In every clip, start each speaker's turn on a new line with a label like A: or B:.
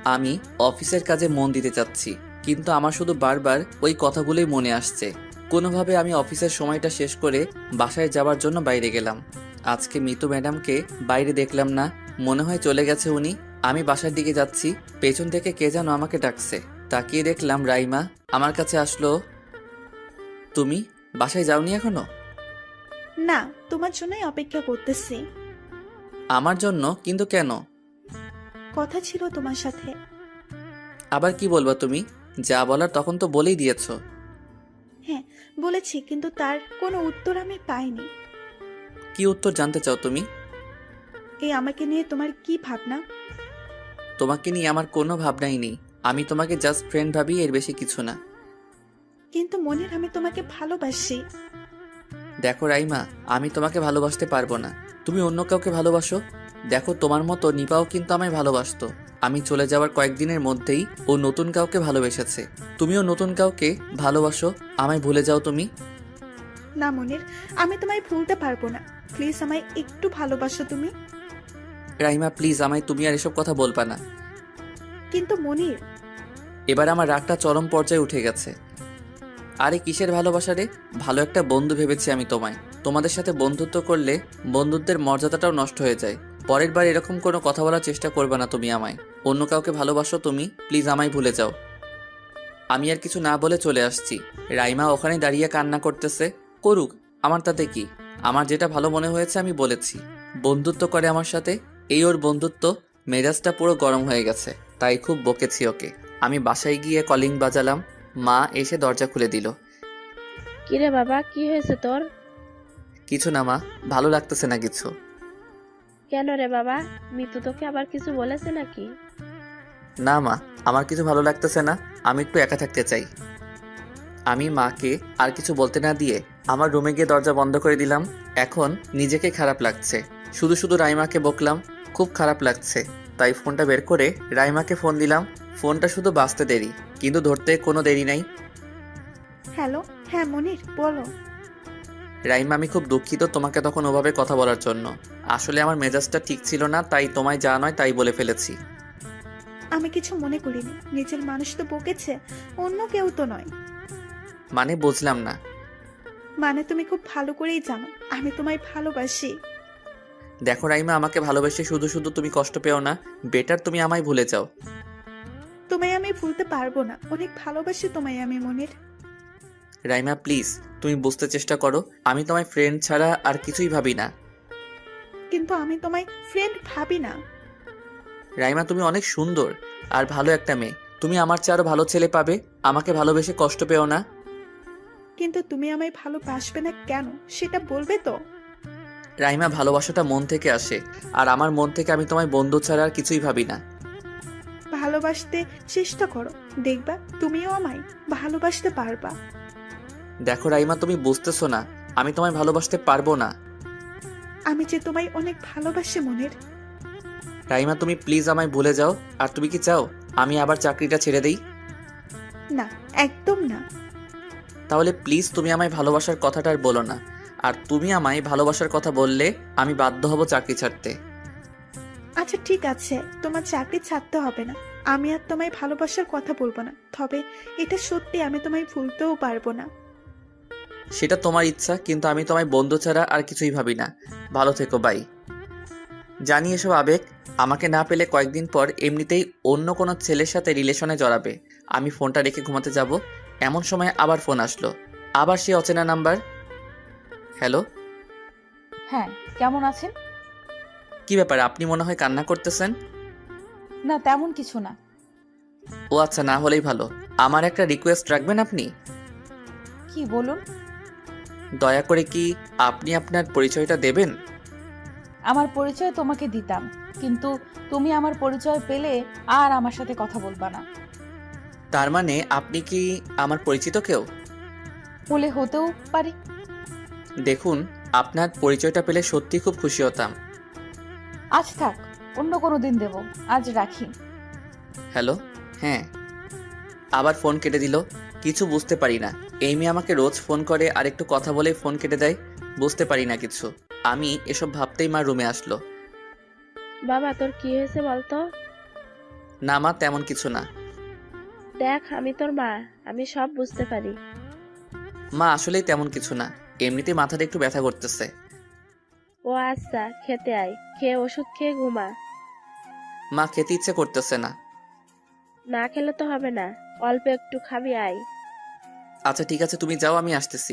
A: আমি অফিসের কাজে মন দিতে চাচ্ছি, কিন্তু আমার শুধু বারবার ওই কথাগুলোই মনে আসছে। কোনোভাবে আমি অফিসের সময়টা শেষ করে বাসায় যাওয়ার জন্য বাইরে গেলাম। আজকে মিতু ম্যাডামকে বাইরে দেখলাম না, মনে হয় চলে গেছে উনি। আমি বাসার দিকে যাচ্ছি, পেছন থেকে কে যেন আমাকে ডাকছে। তাকিয়ে দেখলাম রাইমা আমার কাছে আসলো। তুমি বাসায় যাওনি এখনো?
B: না, তোমার জন্যই অপেক্ষা করতেছি।
A: আমার জন্য? কিন্তু কেন?
B: কথা ছিল তোমার সাথে।
A: আবার কি বলবা তুমি? যা বলার তখন তো বলেই দিয়েছো।
B: হ্যাঁ, বলেছি, কিন্তু তার কোনো উত্তর আমি পাইনি।
A: কি উত্তর জানতে চাও তুমি?
B: এই আমাকে নিয়ে তোমার কি ভাবনা?
A: তোমাকে নিয়ে আমার কোনো ভাবনাই নেই। আমি তোমাকে জাস্ট ফ্রেন্ড ভাবি, এর বেশি কিছু না।
B: কিন্তু মনের আমি তোমাকে ভালোবাসি।
A: দেখো রাইমা, আমি তোমাকে ভালোবাসতে পারবো না। তুমি অন্য কাউকে ভালোবাসো। দেখো, তোমার মতো নিপাও কিন্তু আমায় ভালোবাসতো। আমি চলে যাওয়ার কয়েকদিনের মধ্যেই ও নতুন কাউকে ভালোবেসেছে। তুমিও নতুন কাউকে ভালোবাসো, আমায় ভুলে যাও তুমি।
B: না মনের, আমি তোমায় ভুলতে পারবো না। প্লিজ আমায় একটু ভালোবাসো তুমি।
A: রাইমা প্লিজ, আমায় তুমি আর এসব কথা বলবা না।
B: কিন্তু মনির,
A: এবার আমার রাগটা চরম পর্যায়ে উঠে গেছে। আরে কিসের ভালোবাসা রে? ভালো একটা বন্ধু ভেবেছি আমি তোমায়। তোমাদের সাথে বন্ধুত্ব করলে বন্ধুত্বের মর্যাদাটাও নষ্ট হয়ে যায়। পরের বার এরকম কোনো কথা বলার চেষ্টা করবে না তুমি আমায়। অন্য কাউকে ভালোবাসো তুমি, প্লিজ আমায় ভুলে যাও। আমি আর কিছু না বলে চলে আসছি। রাইমা ওখানে দাঁড়িয়ে কান্না করতেছে। করুক, আমার তাতে কি? আমার যেটা ভালো মনে হয়েছে আমি বলেছি। বন্ধুত্ব করে আমার সাথে, এই ওর বন্ধুত্ব। মেজাজটা পুরো গরম হয়ে গেছে, তাই খুব বকেছি ওকে। আমি বাসায় গিয়ে কলিং বাজালাম। মা এসে দরজা খুলে দিল।
C: কিরে বাবা, কি হয়েছে তোর?
A: কিছু না মা, ভালো লাগতেছে না কিছু।
C: কেন রে বাবা, মিতু তোকে আবার কিছু বলেছে নাকি?
A: না মা, আমার কিছু ভালো লাগতেছে না। আমি একটু একা থাকতে চাই। আমি মাকে আর কিছু বলতে না দিয়ে আমার রুমে গিয়ে দরজা বন্ধ করে দিলাম। এখন নিজেকে খারাপ লাগছে, শুধু শুধু রাইমাকে বকলাম। খুব খারাপ লাগছে, তাই ফোনটা বের করে রাইমাকে ফোন দিলাম। ফোনটা শুধু বাজতে দেরি, কিন্তু ধরতে কোনো দেরি নাই।
B: হ্যালো। হ্যাঁ মনির, বলো।
A: রাইমা, আমি খুব দুঃখিত তোমাকে তখন ওভাবে কথা বলার জন্য। আসলে আমার মেজাজটা ঠিক ছিল না, তাই তোমায় যা নয় তাই বলে ফেলেছি।
B: আমি কিছু মনে করিনি। নিজের মানুষ তো বকেছে, অন্য কেউ তো নয়।
A: মানে বুঝলাম না।
B: মানে তুমি খুব ভালো করেই জানো আমি তোমায় ভালোবাসি।
A: দেখো রাইমা, আমাকে ভালোবেসে শুধু শুধু তুমি কষ্ট পেও না। বেটার তুমি আমায় ভুলে যাও।
B: তোমায় আমি ভুলতে পারবো না। অনেক ভালোবাসি তোমায় আমি মনির।
A: রাইমা প্লিজ, তুমি বুঝতে চেষ্টা করো। আমি তোমায় ফ্রেন্ড ছাড়া আর কিছুই ভাবি না।
B: কিন্তু আমি তোমায় ফ্রেন্ড ভাবি না।
A: রাইমা, তুমি অনেক সুন্দর আর ভালো একটা মেয়ে। তুমি আমার চেয়ে আরো ভালো ছেলে পাবে। আমাকে ভালোবেসে কষ্ট পেও না।
B: কিন্তু তুমি আমায় ভালোবাসবে না কেন সেটা বলবে তো?
A: রাইমা, ভালোবাসাটা মন থেকে আসে, আর আমার মন থেকে আমি তোমায় বন্ধু ছাড়া আর কিছুই ভাবি না।
B: ভালোবাসতে চেষ্টা করো, দেখবা তুমিও আমায় ভালোবাসতে পারবা।
A: দেখো রাইমা, তুমি বুঝতেছো না, আমি তোমায় ভালোবাসতে পারবো না।
B: আমি যে তোমায় অনেক ভালোবাসি মনির।
A: রাইমা, তুমি প্লিজ আমায় ভুলে যাও। আর তুমি কি চাও আমি আবার চাকরিটা ছেড়ে দেই?
B: না, একদম না।
A: তাহলে প্লিজ তুমি আমায় ভালোবাসার কথাটা আর বলো না। আর তুমি আমায় ভালোবাসার কথা বললে আমি বাধ্য হব চাকরি ছাড়তে।
B: আচ্ছা ঠিক আছে, তোমার চাকরি ছাড়তে হবে না। আমি আর তোমায় ভালোবাসার কথা বলবো না, তবে এটা সত্যি আমি তোমায় ভুলতেও পারবো না।
A: সেটা তোমার ইচ্ছা, কিন্তু আমি তোমায় বন্ধু ছাড়া আর কিছুই ভাবি না। ভালো থেকো, বাই। জানি এসব আবেগ আমাকে না পেলে কয়েকদিন পর এমনিতেই অন্য কোনো ছেলের সাথে রিলেশনে জড়াবে। আমি ফোনটা রেখে ঘুমাতে যাব, এমন সময় আবার ফোন আসলো। আবার সে অচেনা নাম্বার। হ্যালো।
D: হ্যাঁ, কেমন আছেন?
A: কি ব্যাপার, আপনি মনে হয় কান্না করতেছেন?
D: না, তেমন কিছু না।
A: ও আচ্ছা, না হলেই ভালো। আমার একটা রিকোয়েস্ট রাখবেন আপনি?
D: কি বলুন?
A: দয়া করে কি আপনি আপনার পরিচয়টা দেবেন?
D: আমার পরিচয় তোমাকে দিতাম, কিন্তু তুমি আমার পরিচয় পেলে আর আমার সাথে কথা বলবা না।
A: তার মানে আপনি কি আমার পরিচিত কেউ?
D: বলে হতেও পারি।
A: দেখুন, আপনার পরিচয়টা পেলে সত্যি খুব খুশি হতাম।
D: আজ থাক, অন্য কোনো দিন দেব। আজ রাখি।
A: হ্যালো। হ্যাঁ। আবার ফোন কেটে দিল। কিছু বুঝতে পারি না, এই মেয়ে আমাকে রোজ ফোন করে আর একটু কথা বলে ফোন কেটে দেয়। বুঝতে পারি না কিছু। আমি এসব ভাবতেই মা রুমে আসলো।
C: বাবা, তোর কি হয়েছে বলতো?
A: না মা, তেমন কিছু না।
C: দেখ আমি তোর মা, আমি সব বুঝতে পারি।
A: মা আসলেই তেমন কিছু না, এমনিতেই মাথাটা একটু ব্যথা করতেছে।
C: ও আচ্ছা, খেতে আয়, খেয়ে ওষুধ খেয়ে ঘুমা।
A: মা খেতে ইচ্ছে করতেছে না।
C: না খেলে তো হবে না, অল্প একটু খাবি, আয়।
A: আচ্ছা ঠিক আছে, তুমি যাও, আমি আসতেছি।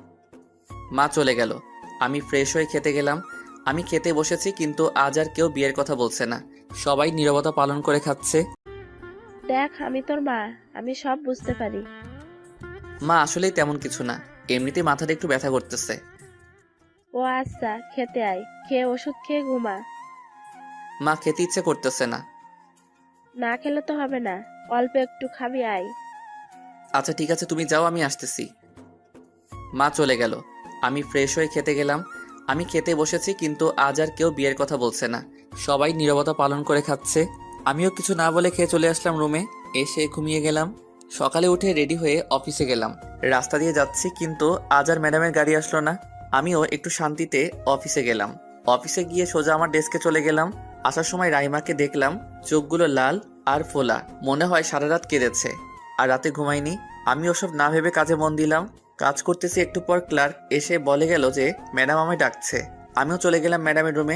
A: মা চলে গেল। আমি ফ্রেশ হয়ে খেতে গেলাম। আমি খেতে বসেছি, কিন্তু আজ আর কেউ বিয়ের কথা বলছে না। সবাই নীরবতা পালন করে খাচ্ছে।
C: দেখ আমি তোর মা, আমি সব বুঝতে পারি।
A: মা আসলেই তেমন কিছু না, এমনিতেই মাথাটা একটু ব্যথা করতেছে।
C: ও আচ্ছা, খেতে আয়, খেয়ে ওষুধ খেয়ে ঘুমা।
A: মা খেতে ইচ্ছে করতেছে না।
C: না খেলে তো হবে না, অল্প একটু খাবি, আয়।
A: আচ্ছা ঠিক আছে, তুমি যাও, আমি আসতেছি। মা চলে গেল। আমি ফ্রেশ হয়ে খেতে গেলাম। আমি খেতে বসেছি, কিন্তু আজ আর কেউ বিয়ের কথা বলছে না। সবাই নীরবতা পালন করে খাচ্ছে। আমিও কিছু না বলে খেয়ে চলে আসলাম রুমে। এসে ঘুমিয়ে গেলাম। সকালে উঠে রেডি হয়ে অফিসে গেলাম। রাস্তা দিয়ে যাচ্ছি, কিন্তু আজ আর ম্যাডামের গাড়ি আসলো না। আমিও একটু শান্তিতে অফিসে গেলাম। অফিসে গিয়ে সোজা আমার ডেস্কে চলে গেলাম। আসার সময় রাইমাকে দেখলাম, চোখগুলো লাল আর ফোলা, মনে হয় সারা রাত কেঁদেছে আর রাতে ঘুমায়নি। আমি ওসব না ভেবে কাজে মন দিলাম। কাজ করতেছি, একটু পর ক্লার্ক এসে বলে গেল যে ম্যাডাম আমায় ডাকছে। আমিও চলে গেলাম ম্যাডামের রুমে।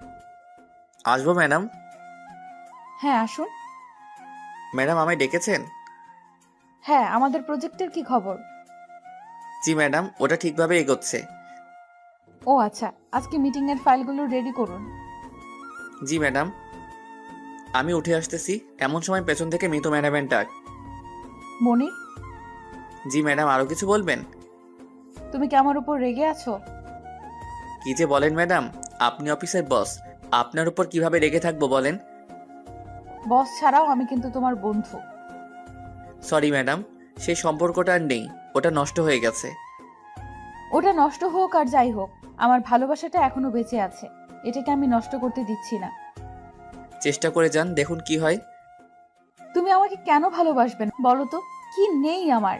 A: আসবো ম্যাডাম?
D: হ্যাঁ আসুন।
A: ম্যাডাম আমায় ডেকেছেন?
D: হ্যাঁ, আমাদের প্রজেক্টের কি খবর?
A: জি ম্যাডাম, ওটা ঠিকভাবে এগোচ্ছে।
D: ও আচ্ছা, আজকে মিটিংয়ের ফাইলগুলো রেডি করুন।
A: জি ম্যাডাম। আমি উঠে আসতেছি, এমন সময় পেছন থেকে মিতু ম্যাডামের ডাক।
D: মনির,
A: জি ম্যাডাম, আরও কিছু বলবেন?
D: তুমি কি আমার উপর রেগে আছো?
A: কি যে বলেন ম্যাডাম, আপনি অফিসের বস, আপনার উপর কিভাবে রেগে থাকবো বলেন?
D: বস ছাড়াও আমি কিন্তু তোমার বন্ধু।
A: সরি ম্যাডাম, সেই সম্পর্কটা আর নেই, ওটা নষ্ট হয়ে গেছে।
D: ওটা নষ্ট হোক আর যাই হোক, আমার ভালোবাসাটা এখনো বেঁচে আছে, এটাকে আমি নষ্ট করতে দিচ্ছি না।
A: চেষ্টা করে যান, দেখুন কি হয়।
D: তুমি আমাকে কেন ভালোবাসবে না বলো তো? কি নেই আমার?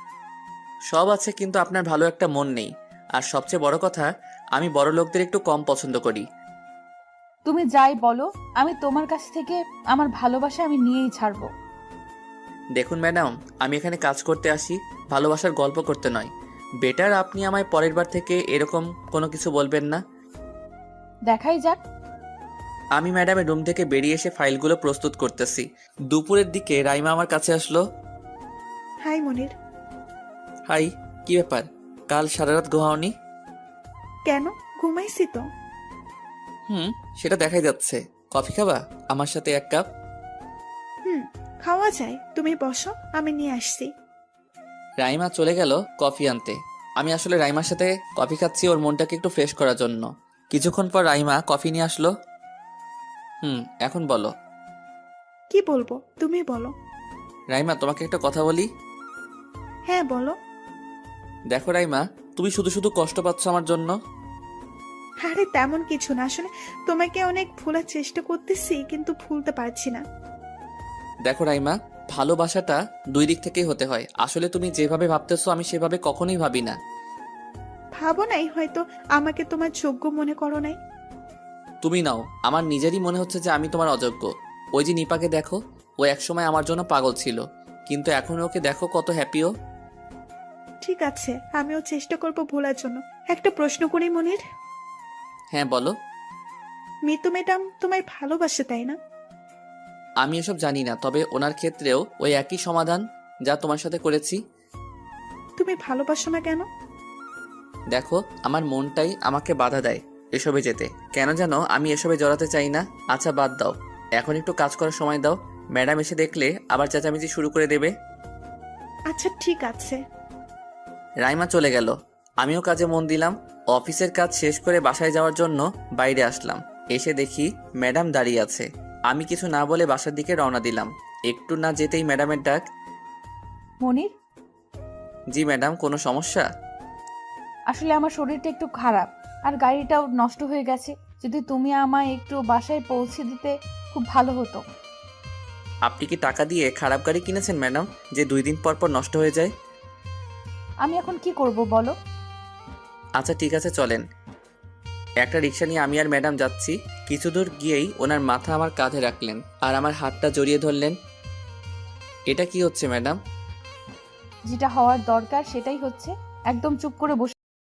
A: সব আছে, কিন্তু আপনার ভালো একটা মন নেই। আর সবচেয়ে বড় কথা, আমি বড় লোকদের একটু কম পছন্দ করি।
D: তুমি যাই বলো, আমি তোমার কাছ থেকে আমার ভালোবাসা আমি নিয়েই ছাড়বো।
A: দেখুন ম্যাডাম, আমি এখানে কাজ করতে আসি, ভালোবাসার গল্প করতে নয়। বেটার আপনি আমায় পরের বার থেকে এরকম কোনো কিছু বলবেন না।
D: দেখাই যাক।
A: আমি ম্যাডামের রুম থেকে বেরিয়ে এসে ফাইলগুলো প্রস্তুত করতেছি। দুপুরের দিকে রাইমা আমার কাছে আসলো।
B: হাই মনির।
A: হাই, কি ব্যাপার? কাল সারা রাত ঘুমাওনি?
B: কেন? ঘুমাইছি তো।
A: সেটা দেখাই যাচ্ছে। কফি খাবা আমার সাথে, 1 কাপ?
B: খাওয়া যায়, তুমি বসো, আমি নিয়ে আসছি।
A: রাইমা চলে গেল কফি আনতে। আমি আসলে রাইমার সাথে কফি খাচ্ছি, ওর মনটাকে একটু ফ্রেশ করার জন্য। কিছুক্ষণ পর রাইমা কফি নিয়ে আসলো। এখন বলো।
B: কি বলবো, তুমি বলো।
A: রাইমা, তোমাকে একটা কথা বলি।
B: হ্যাঁ বলো।
A: দেখো রাইমা, তুমি শুধু শুধু কষ্ট পাচ্ছ আমার জন্য।
B: আরে তেমন কিছু না, আসলে তোমাকে অনেক ভোলার চেষ্টা করতেছি, কিন্তু ভুলতে পারছি না।
A: দেখো রাইমা, ভালোবাসাটা 2 দিক থেকেই হতে হয়। আসলে তুমি যেভাবে ভাবতেছো আমি সেভাবে কখনোই ভাবি না।
B: ভাবো নাই হয়তো, আমাকে তোমার যোগ্য মনে করো নাই।
A: তুমি নাও, আমার নিজেরই মনে হচ্ছে যে আমি তোমার অযোগ্য। ওই যে নিপাকে দেখো, ও একসময় আমার জন্য পাগল ছিল, কিন্তু এখন ওকে দেখো কত হ্যাপিও।
B: ঠিক আছে, আমিও চেষ্টা করব ভোলার জন্য। একটা প্রশ্ন করি মনির।
A: হ্যাঁ বলো।
B: মিতু ম্যাডাম তোমায় ভালোবাসে তাই না?
A: আমি এসব জানি না, তবে ওনার ক্ষেত্রেও ওই একই সমাধান যা তোমার সাথে করেছি।
B: তুমি ভালোবাসো না কেন?
A: দেখো, আমার মনটাই আমাকে বাধা দেয় এসবে যেতে। কেন যেন আমি এসবে জড়াতে চাই না। আচ্ছা বাদ দাও, এখন একটু কাজ করার সময় দাও। ম্যাডাম এসে দেখলে আবার চেঁচামেচি শুরু করে দেবে।
B: আচ্ছা ঠিক আছে।
A: রাইমা চলে গেল। আমিও কাজে মন দিলাম। অফিসের কাজ শেষ করে বাসায় যাওয়ার জন্য বাইরে আসলাম। এসে দেখি ম্যাডাম দাঁড়িয়ে আছে। আমি কিছু না বলে বাসার দিকে রওনা দিলাম। একটু না যেতেই ম্যাডামের ডাক।
D: মনির,
A: জি ম্যাডাম, কোনো সমস্যা?
D: আসলে আমার শরীরটা একটু খারাপ আর গাড়িটাও নষ্ট হয়ে গেছে। যদি তুমি আমায় একটু বাসায় পৌঁছে দিতে খুব ভালো হতো।
A: আপনি কি টাকা দিয়ে খারাপ গাড়ি কিনেছেন ম্যাডাম, যে 2 দিন পর পর নষ্ট হয়ে যায়?
D: আমি এখন কি করব বলো?
A: আচ্ছা ঠিক আছে, চলেন। একটা রিক্সা নিয়ে আমি আর ম্যাডাম যাচ্ছি। কিছু দূর গিয়েই ওনার মাথা আমার কাঁধে রাখলেন আর আমার হাতটা জড়িয়ে ধরলেন। এটা কি হচ্ছে ম্যাডাম?
D: যেটা হওয়ার দরকার সেটাই হচ্ছে। একদম চুপ করে বসে